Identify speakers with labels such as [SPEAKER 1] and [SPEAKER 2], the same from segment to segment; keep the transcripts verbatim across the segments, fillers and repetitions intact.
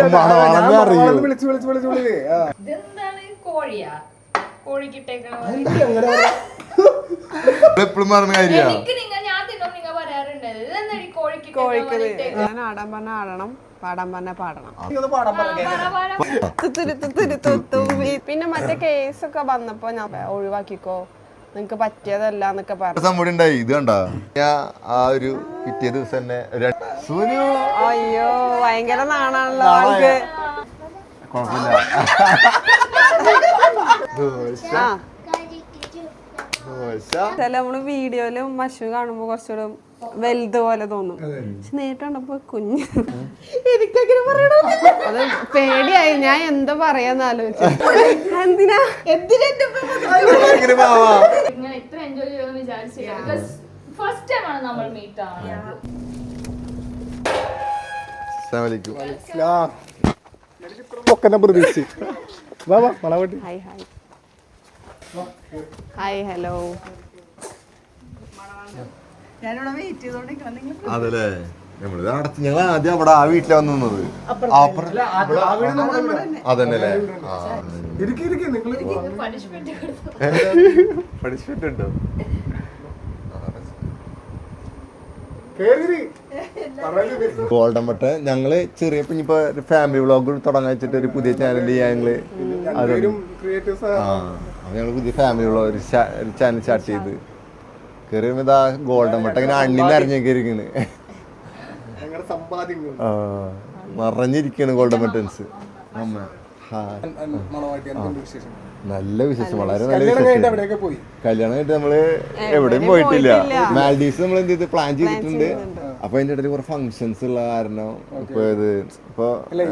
[SPEAKER 1] വിളിച്ചു വിളിച്ചു വിളിച്ചു വിളിച്ചേ
[SPEAKER 2] കോഴിയാ കോഴിക്കിട്ടേക്കണ
[SPEAKER 3] എപ്പോഴും പറഞ്ഞ കാര്യമാണ്.
[SPEAKER 4] ഞാൻ ആടാൻ പറഞ്ഞ ആടണം, പാടാൻ പറഞ്ഞ പാടണം. പിന്നെ മറ്റേ കേസൊക്കെ വന്നപ്പോ ഞാൻ ഒഴിവാക്കിക്കോ, നിങ്ങക്ക് പറ്റിയതല്ല എന്നൊക്കെ പറഞ്ഞു.
[SPEAKER 3] സംഭവം ഇത് കണ്ടാ ഞാൻ ആ ഒരു പിറ്റേ ദിവസം തന്നെ
[SPEAKER 4] അയ്യോ ഭയങ്കര നാണാണല്ലോ ആൾക്ക്. ചില നമ്മള് വീഡിയോയിലും മഷു കാണുമ്പോ കുറച്ചുകൂടെ വലുത് പോലെ തോന്നും, പക്ഷെ നേരിട്ട് കണ്ടപ്പോ കുഞ്ഞ്. എനിക്കങ്ങനെ പറയണോ, അത് പേടിയായി. ഞാൻ എന്താ പറയാന്ന് ആലോചിച്ചു. എന്തിനാ എന്തിനാ
[SPEAKER 2] ഇത്ര എൻജോയ് ചെയ്യുമെന്ന് വിചാരിച്ചില്ല. ഫസ്റ്റ് ടൈം ആണ് നമ്മൾ മീറ്റ് ആവുന്നത്.
[SPEAKER 4] Hi hello.
[SPEAKER 3] അതല്ലേ നമ്മള് അടച്ച് ഞങ്ങൾ ആദ്യം അവിടെ ആ വീട്ടിലാ വന്നത്. അതന്നെ പണിഷ്മെന്റ് ഉണ്ടോ? ഗോൾഡൻ ബട്ട ഞങ്ങള് ചെറിയ ഇനിയിപ്പോ ഫാമിലി വ്ളോഗ് തുടങ്ങാൻ വെച്ചിട്ട് ഒരു പുതിയ ചാനൽ ഞങ്ങള് ഞങ്ങള് പുതിയ ഫാമിലി വ്ളോഗ് ഒരു ചാനൽ സ്റ്റാർട്ട് ചെയ്ത് കയറിയുമ്പോ ഇതാ ഗോൾഡൻ ബട്ട ഇങ്ങനെ അണ്ണിന്ന് അറിഞ്ഞേക്കിരിക്കണ്, മറഞ്ഞിരിക്കാണ് ഗോൾഡൻ ബട്ടൻസ്. അമ്മ നല്ല വിശേഷം, വളരെ നല്ല വിശേഷം. കല്യാണം കഴിഞ്ഞിട്ട് നമ്മള് എവിടെയും പോയിട്ടില്ല. മാൽഡീവ്സ് നമ്മൾ എന്ത് ചെയ്ത് പ്ലാൻ ചെയ്തിട്ടുണ്ട്. അപ്പൊ അതിന്റെ ഇടയിൽ കുറെ ഫങ്ഷൻസ് ഉള്ള കാരണം ഇപ്പൊ ഇത് ഇപ്പൊ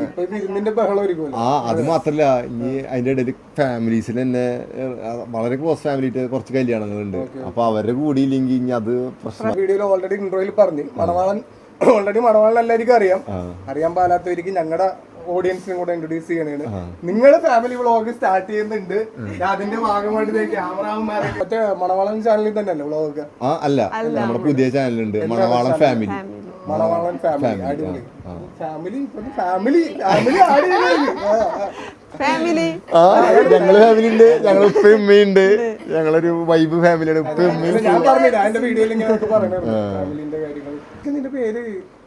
[SPEAKER 3] ആ അത് മാത്രല്ല ഈ അതിന്റെ ഇടയിൽ ഫാമിലീസിൽ തന്നെ വളരെ ക്ലോസ് ഫാമിലി കുറച്ച് കല്യാണങ്ങളുണ്ട്. അപ്പൊ അവരുടെ കൂടി ഇല്ലെങ്കിൽ ഇനി അത് പ്രശ്നം.
[SPEAKER 1] വീഡിയോയിൽ ഓൾറെഡി ഇൻട്രോയിൽ പറഞ്ഞു മണവാളൻ ഓൾറെഡി മണവാളൻ എല്ലാവർക്കും അറിയാം. അറിയാൻ പാലാത്തവർക്ക് ഞങ്ങളുടെ ഓഡിയൻസിനും കൂടെ ഇൻട്രൊഡ്യൂസ് ചെയ്യണേണ്. നിങ്ങള് ഫാമിലി വ്ളോഗ് സ്റ്റാർട്ട് ചെയ്യുന്നുണ്ട്, അതിന്റെ ഭാഗമായിട്ട് ക്യാമറമാരെ മറ്റേ മണവാളൻ ചാനലിൽ തന്നെയല്ലേ വ്ളോഗ്?
[SPEAKER 3] ആ അല്ല, നമ്മുടെ പുതിയ ചാനലുണ്ട് മണവാളൻ ഫാമിലി.
[SPEAKER 1] മണവാളൻ ഫാമിലി അടിപൊളി ഫാമിലി ഫാമിലി ഫാമിലി
[SPEAKER 4] ഫാമിലി
[SPEAKER 3] ആ ഞങ്ങള് ഫാമിലി ഉണ്ട്, ഞങ്ങൾ ഉപ്പ ഉമ്മയുണ്ട്, ഞങ്ങളൊരു വൈബ് ഫാമിലിയാണ്. ഉപ്പ ഉമ്മയും
[SPEAKER 1] ഞാൻ പറഞ്ഞില്ല എന്റെ വീഡിയോയിൽ ഇങ്ങനെ പറയണത് ഫാമിലിന്റെ കാര്യങ്ങൾ. നിന്റെ പേര്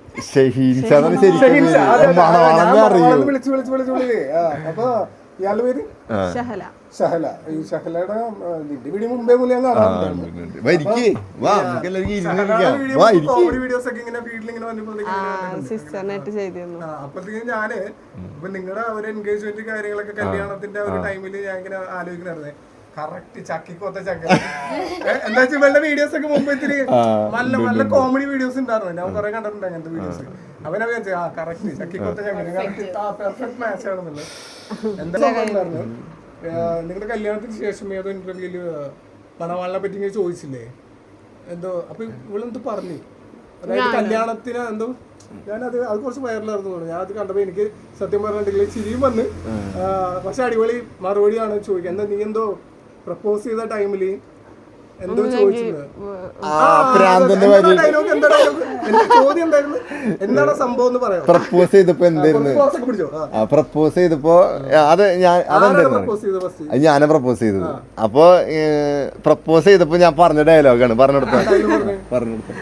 [SPEAKER 1] വിളിച്ചു വിളിച്ചു വിളിച്ചു വിളിച്ചേ. അപ്പൊ ഇയാളുടെ പേര് ഷഹല. ഷഹല ഈ ഷഹലയുടെ നിന്റെ വീഡിയോ മുമ്പേ മുന്നേ ഞാൻ കാണാറുണ്ട്. വീഡിയോസ് ഒക്കെ ഇങ്ങനെ വീട്ടിലിങ്ങനെ വന്നപ്പോഴത്തേക്കും അപ്പഴത്തേക്കും ഞാന് ഇപ്പൊ നിങ്ങളുടെ ഒരു എൻഗേജ്മെന്റ് കാര്യങ്ങളൊക്കെ കല്യാണത്തിന്റെ ഒരു ടൈമില് ഞാൻ ഇങ്ങനെ ആലോചിക്കണേ കറക്റ്റ് ചക്കിക്കൊത്ത ചക്ക എന്താ വെച്ചാൽ ഇവളുടെ വീഡിയോസ് ഒക്കെ മുമ്പ് ഇത്തിരി നല്ല നല്ല കോമഡി വീഡിയോസ് ഉണ്ടായിരുന്നു. ഞാൻ കുറെ കണ്ടിട്ടുണ്ട് അങ്ങനത്തെ വീഡിയോസ്. അവനെ വിചാരിച്ചു ആ കറക്റ്റ് ചക്കിക്കൊത്ത ചക്ക പെർഫെക്റ്റ് മാച്ച് ആണെന്നുള്ളത്. എന്താ ഉണ്ടായിരുന്നു നിങ്ങളുടെ കല്യാണത്തിന് ശേഷം ഏതോ ഇന്റർവ്യൂല് മണവാളിനെ പറ്റി ഇങ്ങനെ ചോദിച്ചില്ലേ എന്തോ, അപ്പൊ ഇവളെന്തോ പറഞ്ഞു, അതായത് കല്യാണത്തിന് എന്തോ ഞാനത് അത് കുറച്ച് വൈറലായിരുന്നു തോന്നുന്നു. ഞാൻ അത് കണ്ടപ്പോ എനിക്ക് സത്യം പറഞ്ഞിട്ടുണ്ടെങ്കിൽ ചിരിയും വന്ന്. പക്ഷെ അടിപൊളി മറുപടിയാണ് ചോദിക്കുക. എന്താ നീ എന്തോ പ്രപ്പോസ് ചെയ്ത ടൈമില് എന്തോ ചോദിച്ചത്, ചോദ്യം എന്തായിരുന്നു, എന്താണ് സംഭവം എന്ന് പറയാം.
[SPEAKER 3] പ്രപ്പോസ് ചെയ്തപ്പോ എന്തായിരുന്നു, പ്രപ്പോസ് ചെയ്തപ്പോ അത് ഞാൻ അതെന്തായിരുന്നു ഞാനാ പ്രപ്പോസ് ചെയ്തത്. അപ്പൊ പ്രപ്പോസ് ചെയ്തപ്പോ ഞാൻ പറഞ്ഞ ഡയലോഗാണ് പറഞ്ഞെടുത്ത പറഞ്ഞെടുത്ത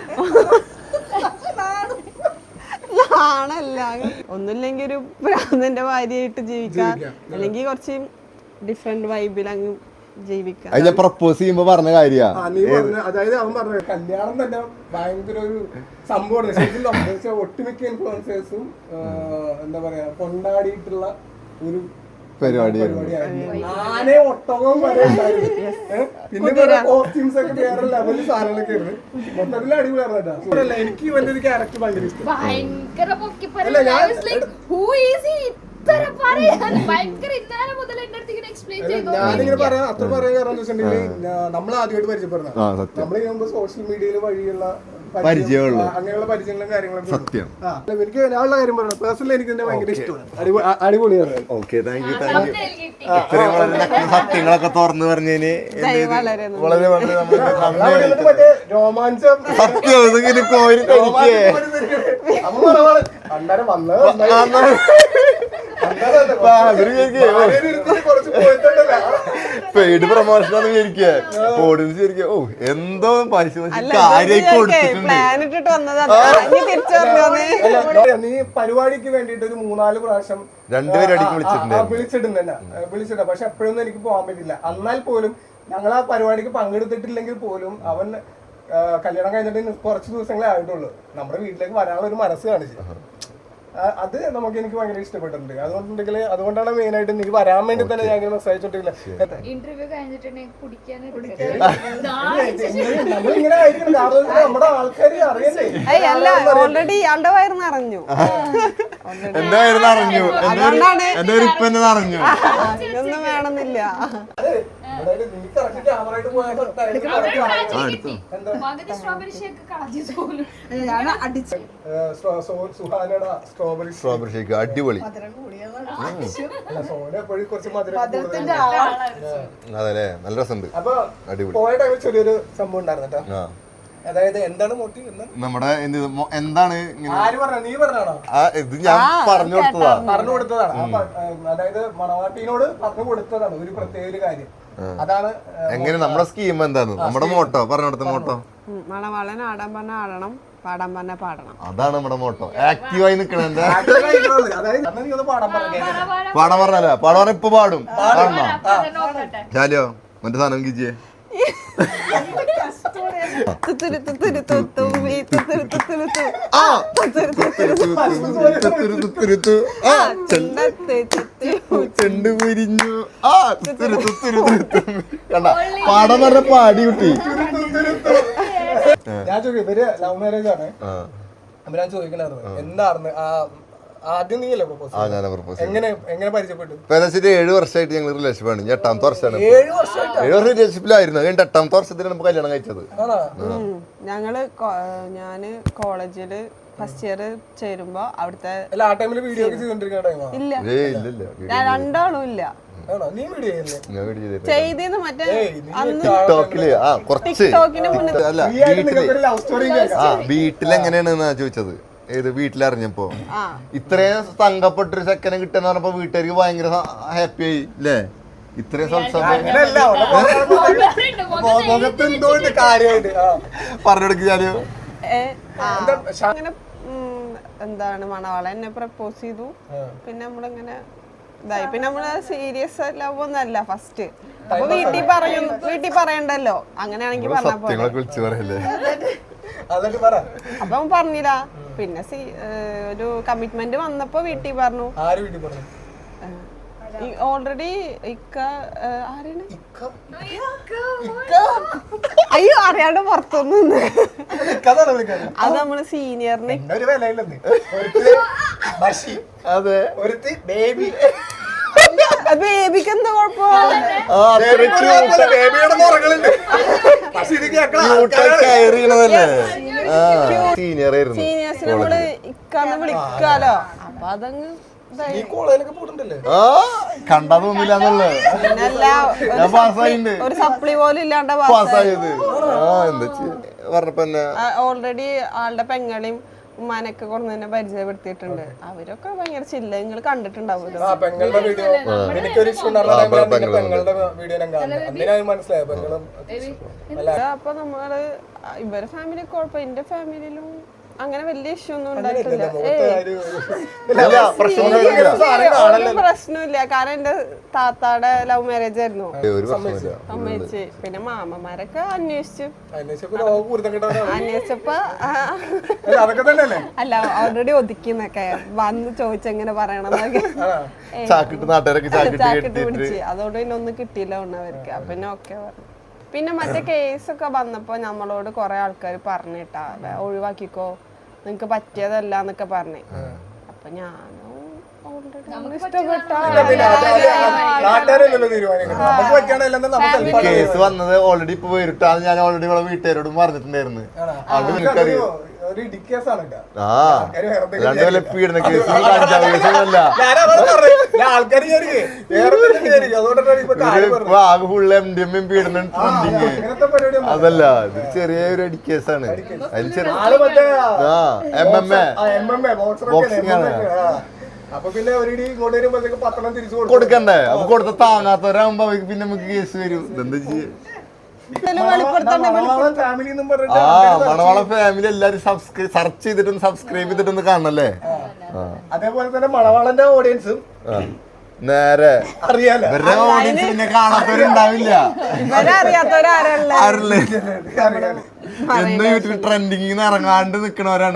[SPEAKER 4] ആണല്ല ഒന്നുമില്ലെങ്കിൽ ഒരു ഭ്രാന്തന്റെ ഭാര്യയായിട്ട് ജീവിക്കാം, അല്ലെങ്കിൽ കുറച്ച് ഡിഫറെന്റ് വൈബിൽ അങ്ങ് ജീവിക്കാം.
[SPEAKER 3] ഞാൻ പ്രപ്പോസ് ചെയ്യുമ്പോ പറഞ്ഞ കാര്യ
[SPEAKER 1] അതായത് അവൻ പറഞ്ഞ കല്യാണം തന്നെ ഭയങ്കര ഒരു സംഭവമാണ് ശരിക്കും. ഒട്ടുമിക്ക ഇൻഫ്ലുവൻസേഴ്സും എന്താ പറയാ കൊണ്ടാടിയിട്ടുള്ള ഒരു പരിപാടിയായിരുന്നു. ആനെ ഒട്ടകവും വരെ ഉണ്ടായിരുന്നു. പിന്നെ കോസ്റ്റ്യൂംസ് ഒക്കെ വേറെ ലെവലിൽ സാധനങ്ങളൊക്കെ ആയിരുന്നു. മൊത്തത്തിൽ അടിപൊളിയായിരുന്നു. എനിക്ക് ഇവന്റെ ഒരു ക്യാരക്ടർ ഭയങ്കര ഇഷ്ടം. ഞാനിങ്ങനെ പറയാം അത്ര പറയാൻ കാരണം എന്താ വെച്ചിട്ടുണ്ടെങ്കിൽ നമ്മൾ ആദ്യമായിട്ട് പരിചയപ്പെടുന്ന നമ്മൾ സോഷ്യൽ മീഡിയയിൽ വഴിയുള്ള
[SPEAKER 3] പരിചയമുള്ള
[SPEAKER 1] അങ്ങനെയുള്ള പരിചയങ്ങളും കാര്യങ്ങളും
[SPEAKER 3] സത്യം.
[SPEAKER 1] എനിക്ക് ഞാനുള്ള കാര്യം പറഞ്ഞു പേഴ്സണലി എനിക്ക് തന്നെ ഭയങ്കര ഇഷ്ടമാണ്. അടിപൊളിയാണ്.
[SPEAKER 3] Okay thank you thank you. ഇത്രയും വളരെ സത്യങ്ങളൊക്കെ തുറന്നു പറഞ്ഞതിന് വളരെ വളരെ
[SPEAKER 1] രോമാഞ്ചം
[SPEAKER 3] സത്യം ഇതിങ്ങനെ കോരി കഴിക്കേ
[SPEAKER 1] അന്നേരം വന്നത്
[SPEAKER 3] പെയ്ഡ് പ്രൊമോഷനാണ് വിചാരിക്കുക ഓഡിയൻസ് വിചാരിക്കുക ഓ എന്തോ പൈസ കാര്യമായി കൊടുത്തിട്ടുണ്ട്.
[SPEAKER 1] നീ പരിപാടിക്ക് വേണ്ടിട്ട് ഒരു മൂന്നാല് പ്രാവശ്യം
[SPEAKER 3] രണ്ടുപേരും അടിക്ക് വിളിച്ചിട്ടുണ്ട്
[SPEAKER 1] വിളിച്ചിട്ടുണ്ട് തന്നെ വിളിച്ചിട്ടുണ്ട്. പക്ഷെ എപ്പോഴൊന്നും എനിക്ക് പോകാൻ പറ്റില്ല. എന്നാൽ പോലും ഞങ്ങൾ ആ പരിപാടിക്ക് പങ്കെടുത്തിട്ടില്ലെങ്കിൽ പോലും അവൻ കല്യാണം കഴിഞ്ഞിട്ട് കുറച്ച് ദിവസങ്ങളെ ആയിട്ടുള്ളൂ നമ്മുടെ വീട്ടിലേക്ക് വരാനുള്ള ഒരു മനസ്സ് കാണിച്ചു. അത് നമുക്ക് എനിക്ക് ഭയങ്കര ഇഷ്ടപ്പെട്ടിട്ടുണ്ട്. അതുകൊണ്ടുണ്ടെങ്കിൽ അതുകൊണ്ടാണ് മെയിൻ ആയിട്ട് നീ വരാൻ വേണ്ടി തന്നെ ഞാൻ ഇങ്ങനെ മെസ്സേജ് ഇട്ടില്ല.
[SPEAKER 2] ഇന്റർവ്യൂ കഴിഞ്ഞിട്ടുണ്ടെങ്കിൽ
[SPEAKER 1] നമ്മളിങ്ങനെ ആയിരിക്കണം. കാരണം നമ്മുടെ ആൾക്കാർ അറിയണ്ടേ.
[SPEAKER 4] ഓൾറെഡി ഇയാളുടെ വയറ് നിറഞ്ഞു.
[SPEAKER 3] എന്റെ വയറ് നിറഞ്ഞു, എന്റെ ഒരു ഇപ്പൊ എന്നെ നിറഞ്ഞു.
[SPEAKER 4] ഇതൊന്നും വേണമെന്നില്ല.
[SPEAKER 1] നീ കറക്റ്റ് ക്യാമറ ആയിട്ട് പോയാൽ സുഹാനയുടെ സ്ട്രോബെറി
[SPEAKER 3] സ്ട്രോബെറി ഷേക്ക് അടിപൊളി.
[SPEAKER 1] സോന എപ്പോഴും കുറച്ച് മധുരം
[SPEAKER 3] അതല്ലേ, നല്ല രസമുണ്ട്.
[SPEAKER 1] അപ്പൊ
[SPEAKER 3] അടിപൊളി.
[SPEAKER 1] പോയ ടൈമിൽ ചെറിയൊരു സംഭവം ഉണ്ടായിരുന്നു കേട്ടോ. അതായത് എന്താണ് മോട്ടീവ്
[SPEAKER 3] നമ്മുടെ എന്താണ്
[SPEAKER 1] ആര് പറഞ്ഞ നീ പറഞ്ഞാണോ?
[SPEAKER 3] ഇത് ഞാൻ പറഞ്ഞു കൊടുത്തതാ
[SPEAKER 1] പറഞ്ഞു കൊടുത്തതാണ്. അതായത് മണവാട്ടീനോട് പറഞ്ഞു കൊടുത്തതാണ് ഒരു പ്രത്യേക ഒരു കാര്യം. അതാണ്
[SPEAKER 3] എങ്ങനെ നമ്മുടെ സ്കീം എന്താണ്, നമ്മുടെ മോട്ടോ പറഞ്ഞു കൊടുത്ത മോട്ടോ.
[SPEAKER 4] മണവാളൻ ആടാൻ പറഞ്ഞ ആടണം, പാടാൻ പറഞ്ഞ പാടണം.
[SPEAKER 3] അതാണ് നമ്മുടെ മോട്ടോ. ആക്റ്റീവായി നിക്കണ എന്റെ
[SPEAKER 1] പാടാൻ പറഞ്ഞു
[SPEAKER 3] പാടാൻ പറഞ്ഞല്ല, പാടാൻ പറഞ്ഞ ഇപ്പൊ പാടും. പാടണോ ചാലിയോ മറ്റേ സാധനം കിച്ചിയെ ചെണ്ട് പിരിഞ്ഞു ആ കണ്ട പാടം പറഞ്ഞ പാടി കുട്ടി.
[SPEAKER 1] ഞാൻ ചോദിക്കും ഇവര് ലവ് മാരേജ് ആണ്. അപ്പൊ ഞാൻ ചോദിക്കണായിരുന്നു എന്തായിരുന്നു ആദ്യം നീയല്ലേ പ്രപ്പോസ്? എങ്ങനെ എങ്ങനെ പരിചയപ്പെട്ടു?
[SPEAKER 3] ഏഴ് വർഷമായിട്ട് ഞങ്ങൾ റിലേഷൻഷിപ്പാണ്. ഞാൻ എട്ടാമത്തെ വർഷമാണ്. ഏഴ് വർഷം റിലേഷൻഷിപ്പിലായിരുന്നു. കഴിഞ്ഞ എട്ടാമത്തെ വർഷത്തിൽ നമുക്ക് കല്യാണം കഴിച്ചത്.
[SPEAKER 4] ഞങ്ങള് ഞാന് കോളേജില് ഫസ്റ്റ് ഇയർ ചേരുമ്പോ അവിടുത്തെ
[SPEAKER 1] വീഡിയോ
[SPEAKER 4] ഇല്ല രണ്ടാളും ഇല്ല ചെയ്തെന്ന് മറ്റേ
[SPEAKER 3] ടിക്ടോക്കില് ആ കുറച്ച് അല്ല വീട്ടില് ആ വീട്ടിലെങ്ങനെയാണെന്നാ ചോദിച്ചത്. ഏത് വീട്ടിലറിഞ്ഞപ്പോ ഇത്രയും തങ്കപ്പെട്ടൊരു സെക്കൻഡ് കിട്ടുന്ന പറഞ്ഞപ്പോ വീട്ടുകാർക്ക് ഭയങ്കര ഹാപ്പി ആയി അല്ലേ? ഇത്രയും പറഞ്ഞെടുക്കാലോ.
[SPEAKER 4] അങ്ങനെ എന്താണ് മണവാള എന്നെ പ്രപ്പോസ് ചെയ്തു. പിന്നെ നമ്മളിങ്ങനെ ഇതായി. പിന്നെ നമ്മള് സീരിയസ് ലവ് ഒന്നല്ല ഫസ്റ്റ്. അപ്പൊ വീട്ടിൽ പറയും, വീട്ടിൽ പറയണ്ടല്ലോ. അങ്ങനെയാണെങ്കിൽ പറഞ്ഞ അപ്പൊ പറഞ്ഞില്ല. പിന്നെ ഒരു കമ്മിറ്റ്മെന്റ് വന്നപ്പോ വീട്ടിൽ പറഞ്ഞു. ഓൾറെഡി ഇക്ക ആരാണ് അയ്യോ അറിയാണ്ട് പുറത്തൊന്നും അത് നമ്മള് സീനിയറിന് ബേബിക്ക് എന്താ കുഴപ്പം? സീനിയേഴ്സ് നമ്മള് ഇക്കാന്ന് വിളിക്കാലോ. അപ്പൊ അതങ്ങ്
[SPEAKER 3] കണ്ടതൊന്നുമില്ല.
[SPEAKER 4] ഒരു സപ്ലി പോലും ഇല്ലാണ്ട്
[SPEAKER 3] പറഞ്ഞപ്പോ
[SPEAKER 4] ഓൾറെഡി ആളുടെ പെങ്ങളെയും ഉമ്മാനൊക്കെ കൊണ്ട് തന്നെ പരിചയപ്പെടുത്തിയിട്ടുണ്ട്. അവരൊക്കെ ഭയങ്കര ചില്ല. നിങ്ങൾ കണ്ടിട്ടുണ്ടാവുമല്ലോ. അപ്പൊ നമ്മള് ഇവരെ ഫാമിലി കുഴപ്പം, എന്റെ ഫാമിലിയിലും അങ്ങനെ വലിയ ഇഷ്യൂ ഒന്നും ഉണ്ടായിട്ടില്ല. പ്രശ്നമില്ല. കാരണം എന്റെ താത്താടെ ലവ് മാരേജ് ആയിരുന്നു. സമ്മതിച്ച്. പിന്നെ മാമന്മാരൊക്കെ അന്വേഷിച്ചു. അന്വേഷിച്ചപ്പോ അല്ല ഓൾറെഡി ഒതുക്കിന്നൊക്കെ വന്ന് ചോദിച്ചെങ്ങനെ പറയണമെന്നൊക്കെ ചാക്കിട്ട് പിടിച്ച്. അതുകൊണ്ട് പിന്നെ ഒന്നും കിട്ടിയില്ല അവർക്ക്. അപ്പൊ പിന്നെ ഓക്കെ പറഞ്ഞു. പിന്നെ മറ്റേ കേസൊക്കെ വന്നപ്പോ നമ്മളോട് കൊറേ ആൾക്കാർ പറഞ്ഞിട്ടാ ഒഴിവാക്കിക്കോ, നിങ്ങക്ക് പറ്റിയതല്ല എന്നൊക്കെ പറഞ്ഞേ. അപ്പൊ ഞാനും
[SPEAKER 3] കേസ് വന്നത് ഓൾറെഡി ഇപ്പൊ വരിട്ടാന്ന് ഞാൻ ഓൾറെഡി ഇവിടെ വീട്ടുകാരോടും പറഞ്ഞിട്ടുണ്ടായിരുന്നു. ആ രണ്ടുപോലെ പീഡന കേസ് ആകെ ഫുള്ള് എം ഡി എം പീഡനം ട്രെൻഡിങ്. അതല്ല ഇത് ചെറിയൊരു അടി കേസാണ്. അതിൽ ചെറിയ ആ എം എം എ ബോക്സിംഗ് ആണ്.
[SPEAKER 1] അപ്പൊ പിന്നെ അവരുടെ ഇങ്ങോട്ട് വരുമ്പോഴത്തേക്ക് പത്തെണ്ണം തിരിച്ചു കൊടുക്കും.
[SPEAKER 3] കൊടുക്കണ്ടേ? അപ്പൊ കൊടുത്ത താങ്ങാത്തവരാകുമ്പോ അവർക്ക് പിന്നെ നമുക്ക് കേസ് വരും. ഇതെന്താ ചെയ്യും?
[SPEAKER 1] മണവാളൻ ഫാമിലി എന്നും പറഞ്ഞിട്ട്
[SPEAKER 3] ആ മണവാള ഫാമിലി എല്ലാരും സബ്സ്ക്രൈബ് സെർച്ച് ചെയ്തിട്ടൊന്ന് സബ്സ്ക്രൈബ് ചെയ്തിട്ടൊന്ന് കാണണല്ലേ?
[SPEAKER 1] അതേപോലെ തന്നെ മണവാളന്റെ ഓഡിയൻസും
[SPEAKER 3] നേരെ
[SPEAKER 1] അറിയാലോ.
[SPEAKER 3] ഇവരുടെ ഓഡിയൻസ് പിന്നെ കാണാത്തവരുണ്ടാവില്ല.
[SPEAKER 4] ഇവരറിയാത്തവരാരല്ലേ?
[SPEAKER 3] ആരല്ലേ?
[SPEAKER 1] അറിയാലോ.
[SPEAKER 3] എന്നും യൂട്യൂബ് ട്രെൻഡിങ്ങിന്ന് ഇറങ്ങാണ്ട് നിക്കണവരാണ്.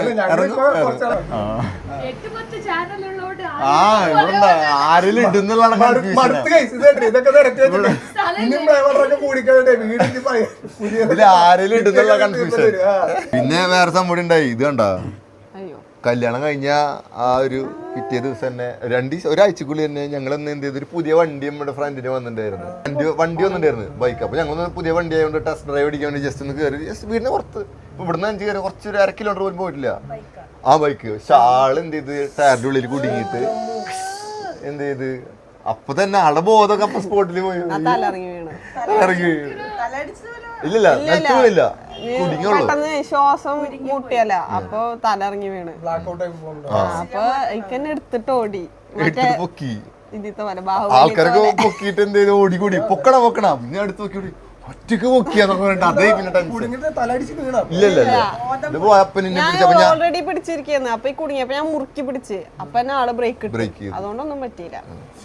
[SPEAKER 2] എട്ട് പത്ത് ചാനലുള്ളോണ്ട്
[SPEAKER 3] ആ ഇവിടെ ആരെങ്കിലും ഇടുന്നുള്ള
[SPEAKER 1] മടുത്ത് guys. ഇത് കേട്ടോ, ഇതൊക്കെ നിരത്തി വെച്ചിട്ട് ഇനിയും ഡ്രൈവറൊക്കെ കൂടിക്കണ്ടേ വീടിന്റെ
[SPEAKER 3] ഇതിൽ ആരെങ്കിലും ഇടുന്നുള്ള കൺഫ്യൂഷൻ. പിന്നെ വേറെ സംഭവം ഉണ്ടായി. ഇത് കണ്ടാ കല്യാണം കഴിഞ്ഞ ആ ഒരു പിറ്റേ ദിവസം തന്നെ രണ്ട് ഒരാഴ്ചക്കുള്ളിൽ തന്നെ ഞങ്ങൾ എന്ത് ചെയ്ത് ഒരു പുതിയ വണ്ടി നമ്മുടെ ഫ്രണ്ടിന് വന്നിട്ടുണ്ടായിരുന്നു. വണ്ടി വണ്ടി വന്നിട്ടുണ്ടായിരുന്നു ബൈക്ക്. അപ്പൊ ഞങ്ങൾ പുതിയ വണ്ടി ആയതുകൊണ്ട് ടെസ്റ്റ് ഡ്രൈവ് അടിക്കാൻ വേണ്ടി ജസ്റ്റ് ഒന്ന് കയറി ജസ്റ്റ് വീടിന് പുറത്ത് ഇവിടുന്ന് അഞ്ച് കയറി കുറച്ച് ഒരു അര കിലോമീറ്റർ പോലും പോയിട്ടില്ല ആ ബൈക്ക്. പക്ഷെ ആള് എന്ത് ചെയ്ത് ടയറിന്റെ ഉള്ളിൽ കുടുങ്ങിയിട്ട് എന്ത് ചെയ്ത് അപ്പൊ തന്നെ ആളുടെ ബോധമൊക്കെ അപ്പൊ സ്പോട്ടിൽ പോയി
[SPEAKER 4] തലറങ്ങി വീണ്
[SPEAKER 3] ഇറങ്ങി ഇല്ലില്ല നിലത്ത് വീണില്ല കുടുങ്ങിയുള്ളൂ.
[SPEAKER 4] പെട്ടെന്ന് ശ്വാസം മുട്ടിയല്ല അപ്പൊ തലറങ്ങി വീണ്. അപ്പൊ ഇക്കന്നെ എടുത്തിട്ട് ഓടി മറ്റേ
[SPEAKER 3] പൊക്കി
[SPEAKER 4] ഇതിത്തെ പോലെ ബാഹു
[SPEAKER 3] ആൾക്കാരൊക്കെ പൊക്കിയിട്ട് എന്ത് ചെയ്ത് ഓടി കൂടി പൊക്കണം പൊക്കണം പിന്നെ അടുത്ത് നോക്കി ഓടി ഒറ്റക്ക് പൊക്കിയാന്നൊക്കെ പറഞ്ഞിട്ട് അതേ പിന്നെ ടെൻഷൻ
[SPEAKER 1] തലടിച്ച് വീണ
[SPEAKER 3] ഇല്ലല്ല ഇത് പോയപ്പൻ എന്നെ പിടിച്ചപ്പോ ഞാൻ
[SPEAKER 4] ഓൾറെഡി പിടിച്ചിരിക്കുന്നു. അപ്പൊ ഈ കുടുങ്ങിയപ്പോ ഞാൻ മുറുക്കി പിടിച്ച് അപ്പൊ തന്നെ ആള് ബ്രേക്ക്
[SPEAKER 3] ബ്രേക്ക്
[SPEAKER 4] ഇട്ടു.
[SPEAKER 3] ചെയ്തു.
[SPEAKER 4] അതുകൊണ്ടൊന്നും പറ്റിയില്ല.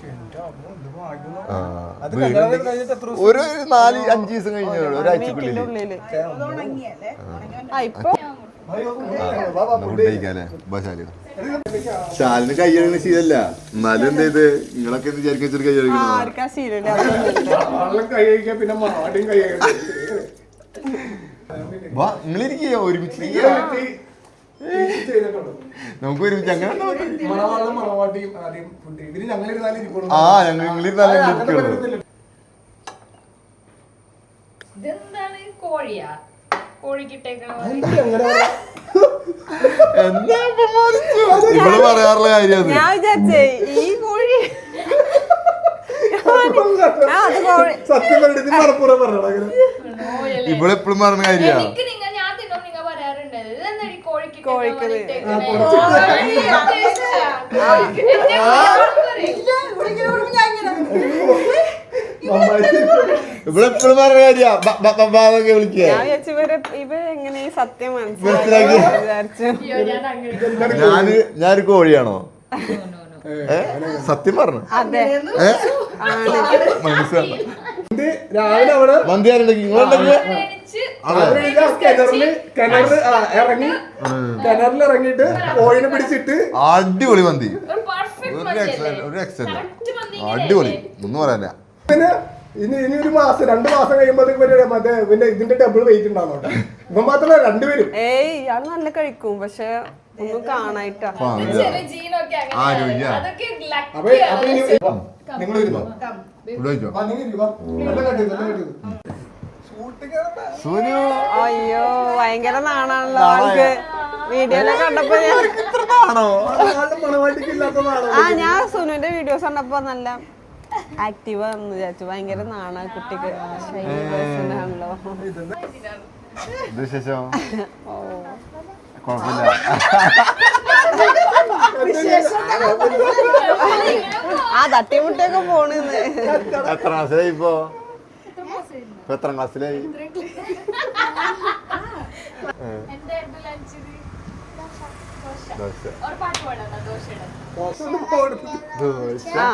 [SPEAKER 3] ഒരു നാല് അഞ്ച് ദിവസം കഴിഞ്ഞ ഒരാഴ്ചക്കുള്ളില്
[SPEAKER 4] ഉള്ളില് ആ ഇപ്പൊ
[SPEAKER 3] ശാലിന് കൈ കഴുകുന്ന ശീലല്ല. എന്നാലും എന്ത് ചെയ്ത് നിങ്ങളൊക്കെ എന്ത് വിചാരിക്കും വെച്ചിട്ട് കൈ കഴുകണം?
[SPEAKER 4] ആർക്കാ ശീലമില്ല.
[SPEAKER 1] വെള്ളം കൈ കഴിക്കാൻ പിന്നെ മാടിയും കൈ
[SPEAKER 3] വാ നിങ്ങളിരിക്കുക ഒരുമിച്ച് നമുക്ക് ഒരുമിച്ച് അങ്ങനെ
[SPEAKER 1] മണവാളും മണവാട്ടിയും ആദ്യം ഫുഡ് ഇതിന് ഞങ്ങളിരുന്നാലും ഇരിക്കുള്ളൂ.
[SPEAKER 3] ആ ഞങ്ങൾ നിങ്ങളിരുന്നാലും ഇരിക്കുള്ളൂ.
[SPEAKER 2] ഇതെന്താണ് കോഴിയാ? കോഴിക്കിട്ടേക്കണ
[SPEAKER 3] എന്താ ഇവിടെ പറയാറുള്ള കാര്യം അത്.
[SPEAKER 4] ഞാൻ വിചാരിച്ചേ ഈ കോഴി ആ, അത് കോഴി
[SPEAKER 1] സത്യം പറഞ്ഞിട്ട് മലപ്പുറം പറഞ്ഞ
[SPEAKER 3] ഇവിടെ എപ്പോഴും പറഞ്ഞ കാര്യ
[SPEAKER 2] എനിക്ക് നിങ്ങൾ ഞാൻ തിന്നോ നിങ്ങൾ പറയാറുണ്ട് ഇതെന്താ കോഴിക്ക്
[SPEAKER 4] കോഴിക്കറി.
[SPEAKER 3] ഇവിടെ എപ്പോഴും പറഞ്ഞ കാര്യ വിളിക്കുക.
[SPEAKER 4] ഞാൻ വിചാരിച്ചു ഇവര് ഇവര് എങ്ങനെ ഈ സത്യം
[SPEAKER 3] മനസ്സിലാക്കി.
[SPEAKER 4] മനസ്സിലാക്കി വിചാരിച്ചു.
[SPEAKER 3] ഞാന് ഞാനൊരു കോഴിയാണോ? ഏ സത്യം പറഞ്ഞു
[SPEAKER 4] അതെ
[SPEAKER 3] മനസ്സിലാണ്.
[SPEAKER 1] രാവിലെ അവിടെ
[SPEAKER 3] മന്തി ആരുണ്ടെങ്കിൽ നിങ്ങളുണ്ടെങ്കിൽ
[SPEAKER 1] കിണറില് കിണറില് ഇറങ്ങി കിണറിൽ ഇറങ്ങിയിട്ട് കോഴിനെ പിടിച്ചിട്ട്
[SPEAKER 3] അടിപൊളി മന്തി. ഒരു എക്സലന്റ് ഒരു എക്സലന്റ് അടിപൊളി ഒന്നും പറയാനില്ല.
[SPEAKER 1] പിന്നെ ഇനി ഇനി ഒരു മാസം രണ്ടു മാസം കഴിയുമ്പോഴത്തേക്ക് മറ്റേ പിന്നെ ഇതിന്റെ ഡബിൾ വെയിറ്റ് ഉണ്ടാവുന്നുണ്ട്. ഇപ്പൊ മാത്രമല്ല രണ്ടുപേരും.
[SPEAKER 4] ഏയ് ഇയാള് നല്ല കഴിക്കും പക്ഷെ ഒന്നും കാണായിട്ടാ.
[SPEAKER 3] ആരോഗ്യ
[SPEAKER 1] അപ്പൊ അപ്പൊ ഇനി നിങ്ങൾ ഇരുന്നോ
[SPEAKER 3] സൂര്യ
[SPEAKER 4] അയ്യോ ഭയങ്കര നാണാണല്ലോ ആൾക്ക്. വീഡിയോയിലെ കണ്ടപ്പോ ആ ഞാൻ സുനുവിന്റെ വീഡിയോസ് കണ്ടപ്പോ നല്ല ആക്റ്റീവ് എന്ന് വിചാരിച്ചു. ഭയങ്കര നാണ കുട്ടിക്ക് ആണല്ലോ.
[SPEAKER 3] വിശേഷം കുഴപ്പമില്ല.
[SPEAKER 4] ആ തട്ടിമുട്ടിയൊക്കെ പോണെന്ന്.
[SPEAKER 3] എത്ര ക്ലാസ്സിലായി ഇപ്പൊ? ഇപ്പൊ എത്ര ക്ലാസ്സിലായി? ദോശ
[SPEAKER 4] ആ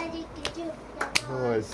[SPEAKER 3] ദോശ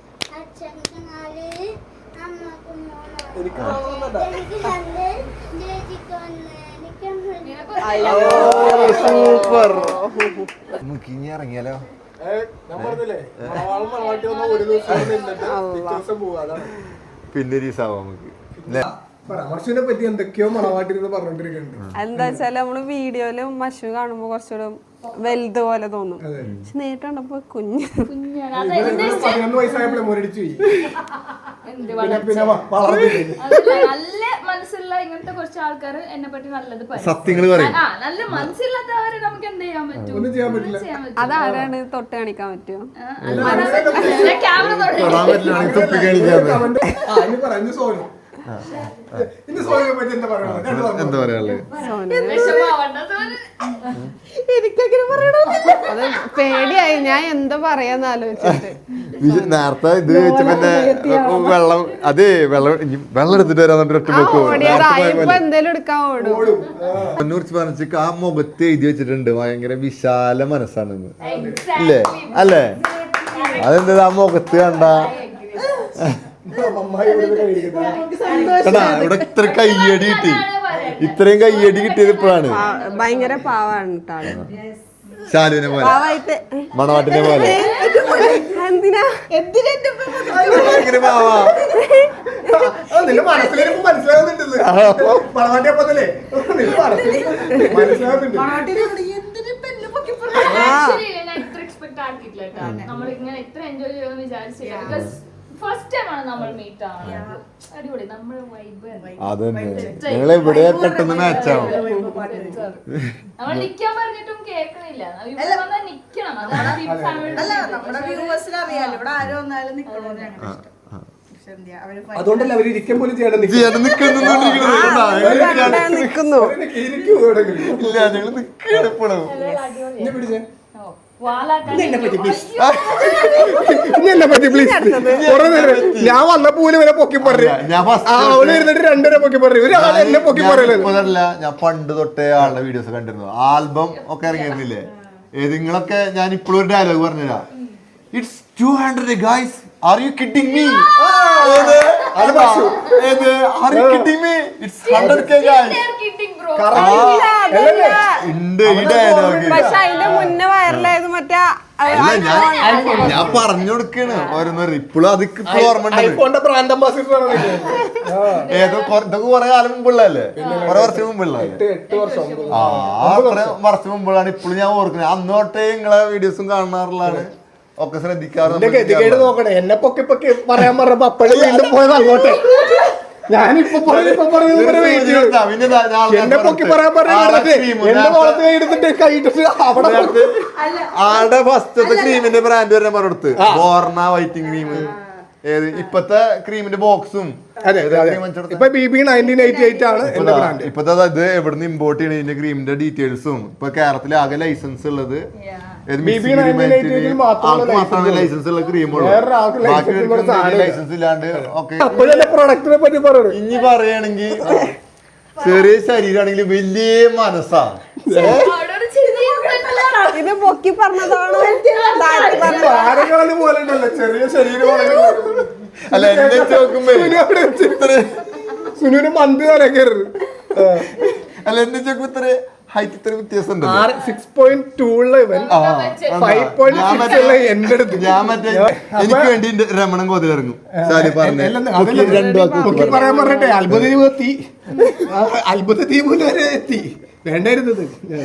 [SPEAKER 4] അയ്യോ
[SPEAKER 3] സൂപ്പർ. നമുക്ക് ഇനി ഇറങ്ങിയാലോ?
[SPEAKER 1] ഞാൻ പറഞ്ഞില്ലേ മണവാളും മണവാട്ടി വന്ന ഒരു ദിവസം നിന്നിട്ട് പിറ്റേ ദിവസം പോവാ. അതാണ്
[SPEAKER 3] പിന്നെ ഒരു ദിവസം നമുക്ക്
[SPEAKER 1] മഷുവിനെ പറ്റി എന്തൊക്കെയോ മണവാട്ടി പറഞ്ഞോണ്ടിരിക്കുന്നുണ്ട്.
[SPEAKER 4] എന്താ വെച്ചാല് നമ്മള് വീഡിയോയിലും മഷു കാണുമ്പോ കുറച്ചുകൂടെ വലുത് പോലെ തോന്നും. പക്ഷെ നേരിട്ട് കണ്ടപ്പോ കുഞ്ഞ്
[SPEAKER 1] പതിനൊന്ന് വയസ്സായപ്പോഴേ മുരടിച്ചു പോയി. പിന്നെ പിന്നെ
[SPEAKER 2] നല്ല മനസ്സുള്ള ഇങ്ങനത്തെ കുറച്ച് ആൾക്കാർ എന്നെ പറ്റി നല്ലത് പറയും.
[SPEAKER 3] സത്യങ്ങള് പറയും.
[SPEAKER 2] ആ നല്ല മനസ്സില്ലാത്തവരെ നമുക്ക് എന്ത് ചെയ്യാൻ പറ്റും?
[SPEAKER 1] ഒന്നും ചെയ്യാൻ പറ്റില്ല.
[SPEAKER 4] അതാരാണ് തൊട്ട് കാണിക്കാൻ പറ്റുമോ?
[SPEAKER 2] ക്യാമറ
[SPEAKER 3] തൊടാൻ പറ്റില്ല തൊപ്പി കാണിക്കാതെ.
[SPEAKER 1] പറഞ്ഞു സോനു ഇന്ന് സോനുവിനെ പറ്റി എന്താ പറയുന്നത്?
[SPEAKER 3] എന്താ പറയാനുള്ളത്?
[SPEAKER 2] വിഷമാവണ്ട സോനു.
[SPEAKER 4] എനിക്കങ്ങനെ പറയണമെന്നില്ല. അത് പേടിയായി, ഞാൻ എന്താ പറയാന്ന് ആലോചിച്ചിട്ട്.
[SPEAKER 3] വിജയ് നേരത്തെ ഇത് വെച്ചപ്പോ വെള്ളം അതേ വെള്ളം ഇനി വെള്ളം എടുത്തിട്ട് വരാൻ ഒറ്റ
[SPEAKER 4] ആ
[SPEAKER 3] പോക്ക്
[SPEAKER 4] ഓടിയതാ, ഇപ്പൊ എന്തേലും എടുക്കാൻ ഓടും.
[SPEAKER 3] എന്നെ കുറിച്ച് പറഞ്ഞിട്ട് ആ മുഖത്ത് എഴുതി വെച്ചിട്ടുണ്ട് ഭയങ്കര വിശാല മനസ്സാണെന്ന്.
[SPEAKER 2] Exactly.
[SPEAKER 3] ഇല്ലേ അല്ലേ? അതെന്താ ആ മുഖത്ത് കണ്ട
[SPEAKER 1] അമ്മായി ഇവിടെ കഴിക്കുന്നത്.
[SPEAKER 3] കണ്ടാ ഇവിടെ ഇത്ര കയ്യടി കിട്ടി, ഇത്രയും കയ്യടി കിട്ടിയത് ഇപ്പോഴാണ്.
[SPEAKER 4] പാ- ഭയങ്കര പാവാണ് കേട്ടാള്.
[SPEAKER 3] ശാലുവിനെ പോലെ
[SPEAKER 4] പാവായിട്ട്
[SPEAKER 3] മണവാട്ടിനെ പോലെ
[SPEAKER 4] എന്തിനാ
[SPEAKER 3] ഭയങ്കര പാവാ.
[SPEAKER 1] ആ, നിന്റെ മനസ്സിലേക്ക് മനസ്സിലാകുന്നുണ്ടല്ലേ പണവാട്ടിയപ്പത്തല്ലേ നിന്റെ മനസ്സിൽ മനസ്സിലാകുന്നുണ്ട്.
[SPEAKER 2] Actually, ഞാൻ ഇത്ര expect ആക്കിയിട്ടില്ല കേട്ടോ. നമ്മൾ ഇങ്ങനെ ഇത്ര എൻജോയ് ചെയ്യുമെന്ന് വിചാരിച്ചില്ല. Because first time ആണ് നമ്മൾ meet ആവുന്നത്. അടിപൊളി, നമ്മുടെ vibe ആണ്.
[SPEAKER 3] അതന്നെ നിങ്ങൾ എവിടെ പെട്ടെന്ന് മാച്ചാവും.
[SPEAKER 2] നമ്മൾ നിക്കാൻ പറഞ്ഞിട്ടും കേൾക്കണില്ല. ഇവിടെ വന്നാൽ നിക്കണം. അതാണ് ഈ family യുടെ
[SPEAKER 5] അല്ല നമ്മുടെ വ്യൂവേഴ്സിന് അറിയാലോ ഇവിടെ ആരോ വന്നാലും നിക്കണോന്ന് ഞങ്ങളുടെ ഇഷ്ടം. പക്ഷെ എന്ത് ചെയ്യാ, അവര് ഭയങ്കര-
[SPEAKER 1] അതുകൊണ്ടല്ല അവർ ഇരിക്കാൻ പോലും ചെയ്യണം.
[SPEAKER 3] ചേട്ടൻ നിക്കുന്നു
[SPEAKER 4] നിക്കുന്നു.
[SPEAKER 1] ഇരിക്കും എവിടെയെങ്കിലും.
[SPEAKER 3] ഇല്ല ഞങ്ങൾ നിൽക്കണം ഇപ്പോഴും.
[SPEAKER 1] എന്നെ പിടിച്ചേ.
[SPEAKER 2] ഓ, വാലാക്കാൻ
[SPEAKER 1] ഇനി എന്നെ പറ്റി പ്ലീസ്. കുറെ നേരം ഞാൻ വന്നപ്പോ പോലും ഇവരെ പൊക്കി പറഞ്ഞു.
[SPEAKER 3] ഞാൻ ഫസ്റ്റ്
[SPEAKER 1] ആ അവള് ഇരുന്നിട്ട് രണ്ടുപേരെ പൊക്കി പറഞ്ഞു. ഒരാളെ എന്നെ പൊക്കി പറയലത്.
[SPEAKER 3] ഇപ്പോഴല്ല, ഞാൻ പണ്ട് തൊട്ടേ ആളുടെ വീഡിയോസ് കണ്ടിരുന്നു. ആൽബം ഒക്കെ ഇറങ്ങിയിരുന്നില്ലേ? ഏത് നിങ്ങളൊക്കെ ഞാൻ ഇപ്പോഴും ഒരു ഡയലോഗ് പറഞ്ഞുതരാം. It's two hundred guys, are you kidding me?
[SPEAKER 1] അത് പശു.
[SPEAKER 3] ഏത് are you kidding me? It's hundred K guys.
[SPEAKER 2] kidding bro.
[SPEAKER 3] ഉണ്ട് ഈ ഡയലോഗ്.
[SPEAKER 4] പക്ഷെ അതിന്റെ മുന്നേ വൈറലായത് മറ്റേ
[SPEAKER 3] അല്ല ഞാൻ ഞാൻ പറഞ്ഞു കൊടുക്കാണ് ഓരോന്നോര്. ഇപ്പോഴും അത് ഇപ്പോഴും ഓർമ്മ ഉണ്ട്.
[SPEAKER 1] ഐഫോണിന്റെ ബ്രാൻഡ് അംബാസിഡർ ആണ്.
[SPEAKER 3] ഏതോ കൊ- ഇതൊക്കെ കുറെ കാലം മുമ്പുള്ളതല്ലേ? കുറെ വർഷം മുമ്പുള്ളതല്ലേ?
[SPEAKER 1] എട്ട് എട്ട് വർഷം മുമ്പ്.
[SPEAKER 3] ആ അത്ര വർഷം മുമ്പുള്ളതാണ്. ഇപ്പോഴും ഞാൻ ഓർക്കുന്നത്. അന്ന് തൊട്ടേ നിങ്ങളെ വീഡിയോസും കാണാറുള്ളതാണ്, ഒക്കെ ശ്രദ്ധിക്കാറുണ്ട്.
[SPEAKER 1] എന്റെ ഗതികേട് നോക്കണേ. എന്നെ പൊക്കി പൊക്കി പറയാൻ പറഞ്ഞപ്പോ അപ്പഴേ വീണ്ടും പോയത് അങ്ങോട്ടെ. ഞാനിപ്പൊ പറഞ്ഞു ഇപ്പൊ പറഞ്ഞു എന്നെ പൊക്കി പറയാൻ പറഞ്ഞിട്ട് എന്റെ മുഖത്ത് കൈ എടുത്തിട്ട് കൈയിട്ടിട്ട് അവിടെ
[SPEAKER 3] ആടെ ഫസ്റ്റത്തെ ക്രീമിന്റെ ബ്രാൻഡ് വരെ പറഞ്ഞെടുത്ത് ബോർണ വൈറ്റിംഗ് ക്രീം. ഏത് ഇപ്പത്തെ ക്രീമിന്റെ ബോക്സും
[SPEAKER 1] അതെ ഇപ്പൊ B B nineteen eighty eight ആണ് എന്റെ ബ്രാൻഡ്.
[SPEAKER 3] ഇപ്പത്തെ ഇത് എവിടുന്ന് ഇമ്പോർട്ട് ചെയ്യണ ഇതിന്റെ ക്രീമിന്റെ ഡീറ്റെയിൽസും ഇപ്പൊ കേരളത്തിൽ ആകെ ലൈസൻസ് ഉള്ളത് മാത്രമാണ് ലൈസൻസ് ഉള്ള ക്രീമുള്ളൂ. ബാക്കി ലൈസൻസ് ഇല്ലാണ്ട് ഒക്കെ.
[SPEAKER 1] അപ്പോഴല്ലേ പ്രൊഡക്റ്റിനെ പറ്റി പറയുന്നത്.
[SPEAKER 3] ഇനി പറയുകയാണെങ്കിൽ ചെറിയ ശരീരമാണെങ്കിൽ വലിയ മനസ്സാ.
[SPEAKER 2] അവിടൊരു ചെറിയ
[SPEAKER 4] ഇത് പൊക്കി പറഞ്ഞതാണോ
[SPEAKER 1] താരങ്ങളെ പോലെ ഉണ്ടല്ലോ ചെറിയ ശരീരമാണെങ്കിൽ.
[SPEAKER 3] അല്ല എന്നെ നോക്കുമ്പോ
[SPEAKER 1] സുനുവിന് മന്ത് തലക്കരുത്.
[SPEAKER 3] അല്ല എന്നെ നോക്കുമ്പോ ഇത്ര ഹൈറ്റ് ഇത്ര വ്യത്യാസം ഉണ്ട്.
[SPEAKER 1] സിക്സ് പോയിന്റ് ടൂ ഉള്ള ഇവൻ ഫൈവ് പോയിന്റ് സിക്സ് ഉള്ള എന്റെ അടുത്ത്.
[SPEAKER 3] ഞാൻ മറ്റേ എനിക്ക് വേണ്ടി രമണൻ കോതിൽ ഇറങ്ങും. സാരി പറഞ്ഞു
[SPEAKER 1] പൊക്കി പറയാൻ പറഞ്ഞിട്ടെ അത്ഭുത ദ്വീപ് എത്തി. അത്ഭുത ദ്വീപ് വരെ എത്തി. വേണ്ടായിരുന്നത്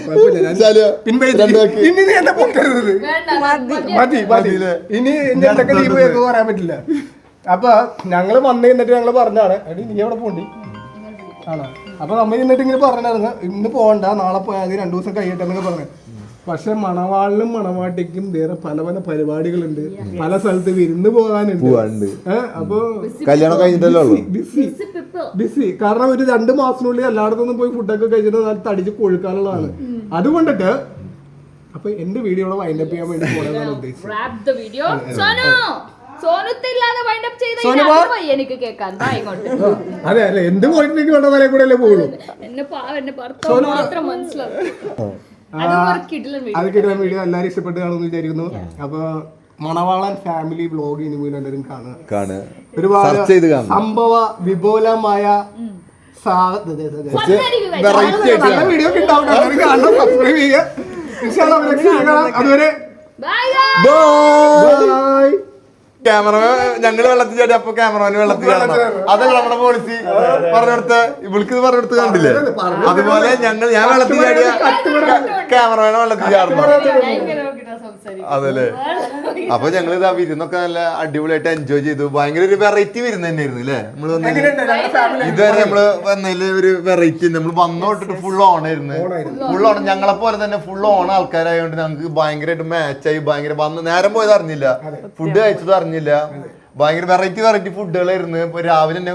[SPEAKER 1] ഇനി നീ എന്നെ പൊക്കരുത്. മതി മതി. ഇനി എന്റെ എന്തൊക്കെ ദ്വീപ് കേൾക്കുക പറയാൻ പറ്റില്ല. അപ്പൊ ഞങ്ങള് വന്നു കഴിഞ്ഞിട്ട് ഞങ്ങള് പറഞ്ഞാണ് എടി നീ എവിടെ പോണ്ടി ആണോ. അപ്പൊ നമ്മ എന്നിട്ട് ഇങ്ങനെ പറഞ്ഞായിരുന്നു ഇന്ന് പോകണ്ട നാളെ പോയാൽ മതി രണ്ടു ദിവസം കഴിയട്ടെ എന്നൊക്കെ പറഞ്ഞു. പക്ഷെ മണവാളിനും മണവാട്ടിക്കും വേറെ പല പല പരിപാടികളുണ്ട്, പല സ്ഥലത്ത് വിരുന്ന് പോകാനുണ്ട്. അപ്പൊ
[SPEAKER 3] കല്യാണം കഴിഞ്ഞിട്ടല്ലോ
[SPEAKER 1] ബിസി ബിസി കാരണം ഒരു രണ്ടു മാസത്തിനുള്ളിൽ എല്ലായിടത്തുനിന്നും പോയി ഫുഡൊക്കെ കഴിച്ചിട്ട് നല്ല തടിച്ച് കൊഴുക്കാനുള്ളതാണ്. അതുകൊണ്ടിട്ട് അപ്പൊ എന്റെ വീഡിയോ വൈൻഡപ്പ് ചെയ്യാൻ വേണ്ടി പോകാനാണ് ഉദ്ദേശിച്ചത്.
[SPEAKER 2] എനിക്ക് കേൾക്കാൻ
[SPEAKER 1] അതെ അല്ലെ എന്ത് പോയിട്ടിലേക്ക് വേണ്ട തലേ കൂടെ അല്ലേ പോകുള്ളൂ.
[SPEAKER 2] എന്നെ എന്റെ ഭർത്താവ് മാത്രം മനസ്സിലാവും.
[SPEAKER 1] അത് കിട്ടുന്ന വീഡിയോ എല്ലാവരും ഇഷ്ടപ്പെട്ട് കാണുമെന്ന് വിചാരിക്കുന്നു. അപ്പൊ മണവാളൻ ഫാമിലി വ്ലോഗ് ഇനി പോലും എല്ലാവരും കാണുക. ഒരുപാട് സംഭവ വിപുലമായ നല്ല വീഡിയോ ഒക്കെ ഉണ്ടാവും. കാണണം, സബ്സ്ക്രൈബ് ചെയ്യുക. അതുവരെ ബൈ.
[SPEAKER 3] ക്യാമറമാൻ ഞങ്ങള് വെള്ളത്തിൽ ചാടി അപ്പൊ ക്യാമറമാന് വെള്ളത്തിൽ ചാടണം. അതല്ല നമ്മുടെ പോളിസി. പറഞ്ഞെടുത്ത് ഇവൾക്ക് ഇത് പറഞ്ഞെടുത്ത് കണ്ടില്ലേ? അതുപോലെ ഞങ്ങൾ ഞാൻ വെള്ളത്തിൽ ചാടിയ ക്യാമറമാനെ വെള്ളത്തിൽ ചാടണം. അതല്ലേ? അപ്പൊ ഞങ്ങൾ ഇതാ വിരുന്നൊക്കെ നല്ല അടിപൊളിയായിട്ട് എൻജോയ് ചെയ്തു. ഭയങ്കര ഒരു വെറൈറ്റി വിരുന്ന് തന്നെയായിരുന്നു അല്ലേ? നമ്മള് വന്നതില് ഇതുവരെ നമ്മള് വന്നതില് ഒരു വെറൈറ്റി. നമ്മൾ വന്നു തൊട്ടിട്ട് ഫുൾ ഓൺ ആയിരുന്നു. ഫുൾ ഓൺ ഞങ്ങളെ പോലെ തന്നെ ഫുൾ ഓൺ ആൾക്കാരായതുകൊണ്ട് ഞങ്ങൾക്ക് ഭയങ്കരമായിട്ട് മാച്ചായി. ഭയങ്കര വന്ന് നേരം പോയത് അറിഞ്ഞില്ല, ഫുഡ് കഴിച്ചത് അറിഞ്ഞില്ല. ഭയങ്കര വെറൈറ്റി വെറൈറ്റി ഫുഡുകളായിരുന്നു. ഇപ്പൊ രാവിലെ തന്നെ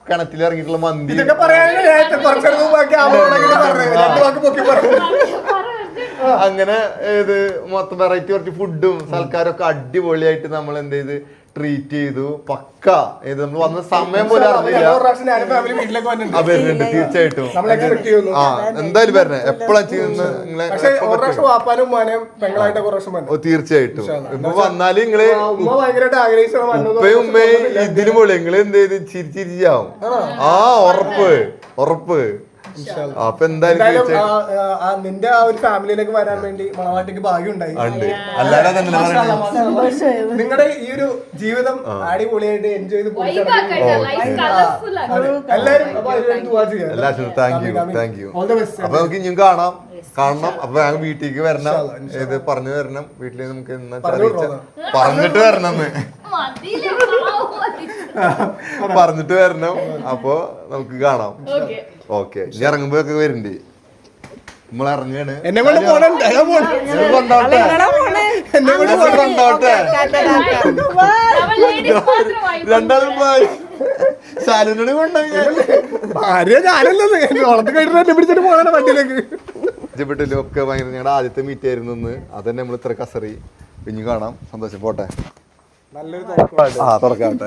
[SPEAKER 3] കിണറ്റിൽ ഇറങ്ങിയിട്ടുള്ള മന്തി
[SPEAKER 1] ഇതൊക്കെ പറയാനാണ് ഞാൻ കുറച്ചു മുമ്പ് ക്യാമറ പറഞ്ഞത് രണ്ട് വാക്ക് പൊക്കി പറഞ്ഞു.
[SPEAKER 3] അങ്ങനെ ഏത് മൊത്തം വെറൈറ്റി കുറച്ച് ഫുഡും സൽക്കാരൊക്കെ അടിപൊളിയായിട്ട് നമ്മൾ എന്ത് ചെയ്ത് ട്രീറ്റ് ചെയ്തു. പക്ക ഏത് നമ്മൾ വന്ന സമയം പോലും അറിഞ്ഞില്ല.
[SPEAKER 1] ഫാമിലി വീട്ടിലേക്ക് വന്നിട്ടുണ്ട്.
[SPEAKER 3] ആ വരുന്നുണ്ട് തീർച്ചയായിട്ടും.
[SPEAKER 1] നമ്മളെ എക്സ്പെക്ട് ചെയ്യുന്നു.
[SPEAKER 3] ആ എന്തായാലും വരണേ എപ്പോഴാ ചെയ്യുന്ന നിങ്ങളെ
[SPEAKER 1] പക്ഷെ ഒരു പ്രാവശ്യം വാപ്പാനും ഉമ്മാനെയും പെങ്ങളായിട്ട് ഒരു പ്രാവശ്യം വന്നു.
[SPEAKER 3] ഓ തീർച്ചയായിട്ടും. ഇപ്പൊ വന്നാല് നിങ്ങള്
[SPEAKER 1] ഉമ്മ ഭയങ്കരമായിട്ട് ആഗ്രഹിച്ചാണ് വന്നത്.
[SPEAKER 3] ഉപ്പയും ഉമ്മയും ഇതിനും പോലെ നിങ്ങള് എന്ത് ചെയ്ത് ചിരിച്ചിരിച്ചാവും. ആ ഉറപ്പ് ഉറപ്പ്. അപ്പൊ എന്തായാലും
[SPEAKER 1] എന്തായാലും
[SPEAKER 3] തീർച്ചയായിട്ടും
[SPEAKER 1] ആ, ആ, നിന്റെ ആ ഒരു ഫാമിലിയിലേക്ക് വരാൻ വേണ്ടി മണവാട്ടിക്ക് ഭാഗ്യം ഉണ്ടായി.
[SPEAKER 3] ഉണ്ട്. അല്ലാതെ തന്നെ പറയുന്നത്
[SPEAKER 1] നിങ്ങളുടെ ഈ ഒരു ജീവിതം അടിപൊളിയായിട്ട് എൻജോയ് ചെയ്ത്
[SPEAKER 2] Vibe ആക്കട്ടെ, life colourful ആക്കട്ടെ.
[SPEAKER 1] എല്ലാരും അപ്പൊ അതിനുവേണ്ടി ദുആ ചെയ്യാം.
[SPEAKER 3] എല്ലാവർക്കും thank you thank you.
[SPEAKER 1] All the best.
[SPEAKER 3] അപ്പൊ നമുക്ക് ഇനിയും കാണാം കാണണം. അപ്പൊ ഞങ്ങൾ വീട്ടിലേക്ക് വരണം. ഇത് പറഞ്ഞു വരണം. വീട്ടിൽ നമുക്ക് എന്നാ അറിയിച്ച പറഞ്ഞിട്ട് വരണം.
[SPEAKER 2] മതിയില്ലേ, പാവം മതി.
[SPEAKER 3] പറഞ്ഞിട്ട് വരണം. അപ്പൊ നമുക്ക് കാണാം.
[SPEAKER 2] Okay.
[SPEAKER 3] ഓക്കെ ഇനി ഇറങ്ങുമ്പോഴൊക്കെ വരുന്നുണ്ട്. നമ്മൾ ഇറങ്ങാണ്.
[SPEAKER 1] എന്നെ കൊണ്ട് പോണുണ്ട്. ഞാൻ പോണു.
[SPEAKER 3] കൊണ്ടോട്ടെ
[SPEAKER 1] എന്നെ കൊണ്ട്
[SPEAKER 3] നമ്മൾ കൊണ്ടോട്ടെ
[SPEAKER 2] നമ്മൾ ladies മാത്രം vibe.
[SPEAKER 3] രണ്ടാളും പോയി ശാലുനോട് കൊണ്ടുപോയി
[SPEAKER 1] ഭാര്യ ഞാനല്ലത് ഓളത്ത് കഴിഞ്ഞിട്ട് എന്നെ പിടിച്ചിട്ട് പോകണ വണ്ടിയിലേക്ക്.
[SPEAKER 3] ഇഷ്ടപ്പെട്ടില്ല ഒക്കെ ഭയങ്കര ഞങ്ങളുടെ ആദ്യത്തെ മീറ്റ് ആയിരുന്നു ഇന്ന്. അതന്നെ നമ്മൾ ഇത്ര കസറി. ഇനി കാണാം. സന്തോഷം. പോട്ടെ.
[SPEAKER 1] നല്ലൊരു
[SPEAKER 3] ആ തുറക്കാട്ടെ.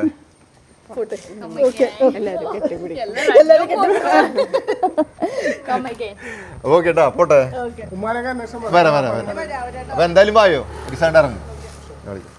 [SPEAKER 2] Come again.
[SPEAKER 3] അപ്പൊ കേട്ടാ പോട്ടെ.
[SPEAKER 1] ഉമ്മാനൊക്കെ അന്വേഷണം
[SPEAKER 3] വരാം വരാം വരാം. അപ്പൊ എന്തായാലും വായോ ഒരു സൈഡ് ഇറങ്ങും.